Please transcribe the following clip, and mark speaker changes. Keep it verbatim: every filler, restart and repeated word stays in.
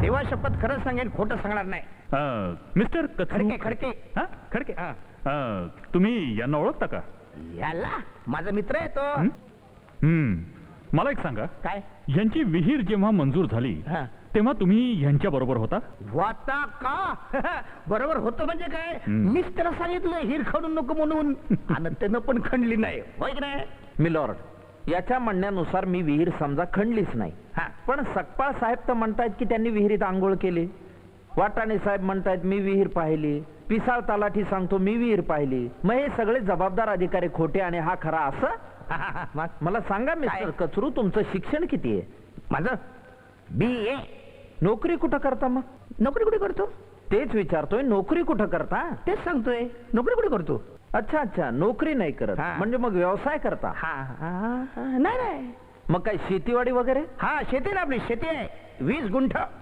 Speaker 1: देवा शपथ खरंच सांगेन, खोटं सांगणार नाही.
Speaker 2: अं, मिस्टर कथरू
Speaker 1: खडके खडके
Speaker 2: हा खडके
Speaker 1: हा.
Speaker 2: अं, तुम्ही यांना ओळखता का?
Speaker 1: याला माझा मित्र आहे तो.
Speaker 2: हं? हं. मला एक सांगा,
Speaker 1: काय
Speaker 2: यांची विहीर जेव्हा मंजूर झाली
Speaker 1: हा.
Speaker 2: तेव्हा तुम्ही यांच्या बरोबर होता?
Speaker 1: वाता का बरोबर होतं म्हणजे काय,
Speaker 2: हम्म.
Speaker 1: मीच त्याला सांगितलं हिर खणू नको म्हणून, आणि त्यानं पण खणली नाही, होय की नाही?
Speaker 3: मिलॉर्ड, याच्या म्हणण्यानुसार मी विहीर समजा खणलीच नाही,
Speaker 1: हा.
Speaker 3: पण सकपाळ साहेब तर म्हणतायत की त्यांनी विहिरीत आंघोळ केली. वाटाणे साहेब म्हणतायत मी विहीर पाहिली. पिसाळ तलाठी सांगतो मी विहीर पाहिली. मग हे सगळे जबाबदार अधिकारी खोटे आणि हा खरा असं?
Speaker 1: मग
Speaker 3: मला सांगा मिस्टर
Speaker 1: काय?
Speaker 3: कचरू, तुमचं शिक्षण किती आहे?
Speaker 1: माझं बी ए.
Speaker 3: नोकरी कुठं करता? मग
Speaker 1: नोकरी कुठे करतो?
Speaker 3: तेच विचारतोय, नोकरी कुठं करता?
Speaker 1: तेच सांगतोय, नोकरी कुठे करतो?
Speaker 3: अच्छा अच्छा, नोकरी नाही करत,
Speaker 1: हा.
Speaker 3: म्हणजे मग व्यवसाय करता?
Speaker 1: हा हा, हा, नाही नाही.
Speaker 3: मग काय शेतीवाडी वगैरे?
Speaker 1: हा शेती ना, आपली शेती आहे वीस गुंठ.